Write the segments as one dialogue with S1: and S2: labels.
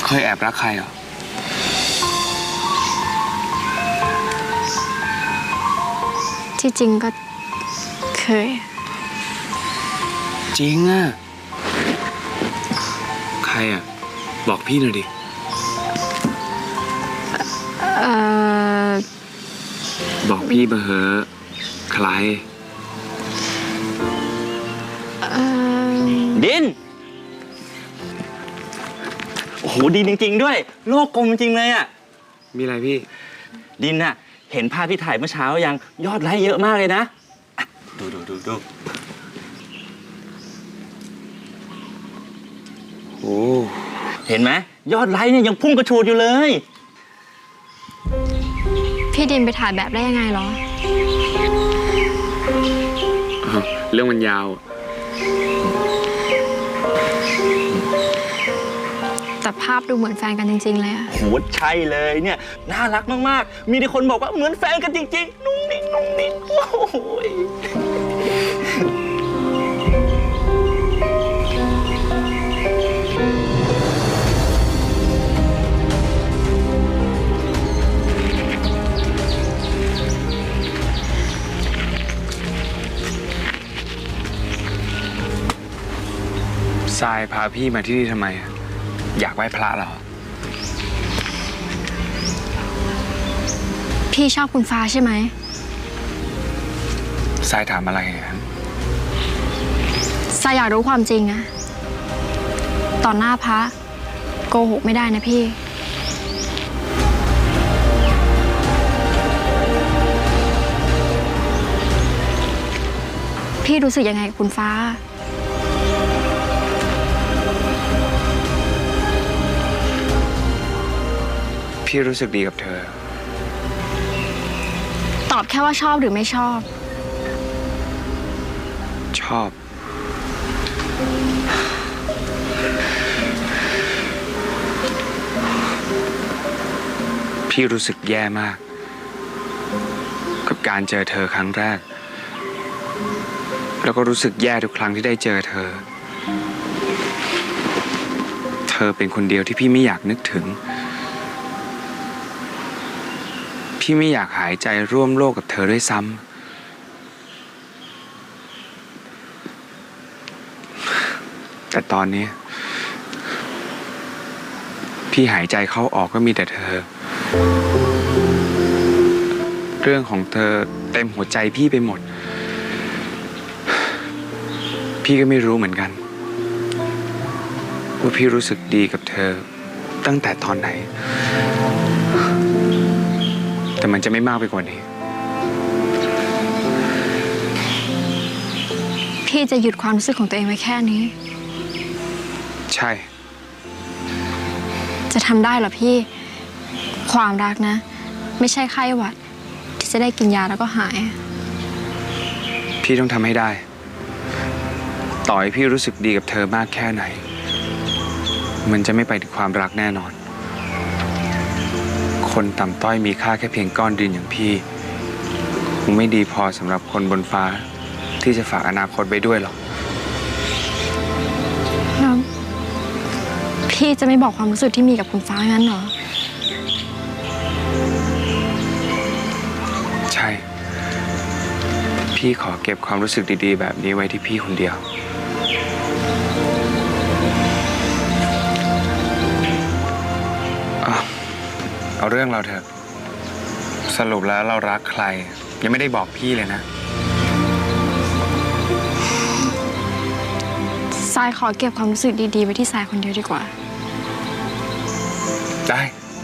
S1: เคยแอบรักใครเหรอ
S2: ที่จริงก็เคย
S1: จริงอ่ะใครอ่ะบอกพี่หน่อยดิบอกพี่มาเหอะใคร
S3: ดินโอ้โหดินจริงๆด้วยโลกกลมจริงเลยอ่ะ
S1: มีอะไรพี่
S3: ดินน่ะเห็นภาพที่ถ่ายเมื่อเช้ายังยอดไลค์เยอะมากเลยนะดู
S1: โอ้
S3: เห็นไหมยอดไลค์เนี่ยยังพุ่งกระฉูดอยู่เลย
S2: พี่ดินไปถ่ายแบบได้ยังไงเหรอ
S1: เรื่องมันยาว
S2: แต่ภาพดูเหมือนแฟนกันจริงๆเลยอะ
S3: โหใช่เลยเนี่ยน่ารักมากๆมีแต่คนบอกว่าเหมือนแฟนกันจริงๆนุ่งนิ่งโอ้โห
S1: ทรายพาพี่มาที่นี่ทำไมอยากไหว้พระเหรอ
S2: พี่ชอบคุณฟ้าใช่ไหม
S1: ทรายถามอะไรเนี่ย
S2: ทรายอยากรู้ความจริงอะต่อหน้าพระโกหกไม่ได้นะพี่รู้สึกยังไงกับคุณฟ้า
S1: พี่รู้สึกดีกับเธอ
S2: ตอบแค่ว่าชอบหรือไม่ชอบ
S1: ชอบพี่รู้สึกแย่มากกับการเจอเธอครั้งแรกแล้วก็รู้สึกแย่ทุกครั้งที่ได้เจอเธอเธอเป็นคนเดียวที่พี่ไม่อยากนึกถึงพี่ไม่อยากหายใจร่วมโลกกับเธอด้วยซ้ำแต่ตอนนี้พี่หายใจเข้าออกก็มีแต่เธอเรื่องของเธอเต็มหัวใจพี่ไปหมดพี่ก็ไม่รู้เหมือนกันว่าพี่รู้สึกดีกับเธอตั้งแต่ตอนไหนแต่มันจะไม่มากไปกว่านี้
S2: พี่จะหยุดความรู้สึกของตัวเองไว้แค่นี้
S1: ใช่
S2: จะทำได้เหรอพี่ความรักนะไม่ใช่ไข้หวัดที่จะได้กินยาแล้วก็หาย
S1: พี่ต้องทำให้ได้ต่อให้พี่รู้สึกดีกับเธอมากแค่ไหนมันจะไม่ไปถึงความรักแน่นอนคนต่ำต้อยมีค่าแค่เพียงก้อนดินอย่างพี่คงไม่ดีพอสำหรับคนบนฟ้าที่จะฝากอนาคตไว้ด้วยหรอก
S2: แล้วพี่จะไม่บอกความรู้สึกที่มีกับคุณฟ้างั้นเหรอ
S1: ใช่พี่ขอเก็บความรู้สึกดีๆแบบนี้ไว้ที่พี่คนเดียวเอาเรื่องเราเถอะสรุปแล้วเรารักใครยังไม่ได้บอกพี่เลยนะ
S2: ทรายขอเก็บความรู้สึกดีๆไว้ที่ทรายคนเดียวดีกว่า
S1: ได้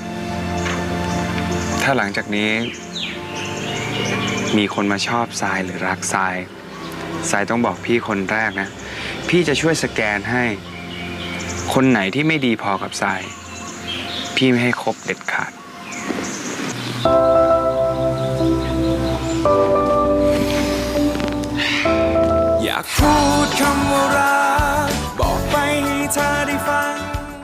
S1: ถ้าหลังจากนี้มีคนมาชอบทรายหรือรักทรายต้องบอกพี่คนแรกนะพี่จะช่วยสแกนให้คนไหนที่ไม่ดีพอกับทรายพี่ไม่ให้คบเด็ดขาด
S4: อยากพูดคำว่ารักบอกไปให้เธอได้ฟัง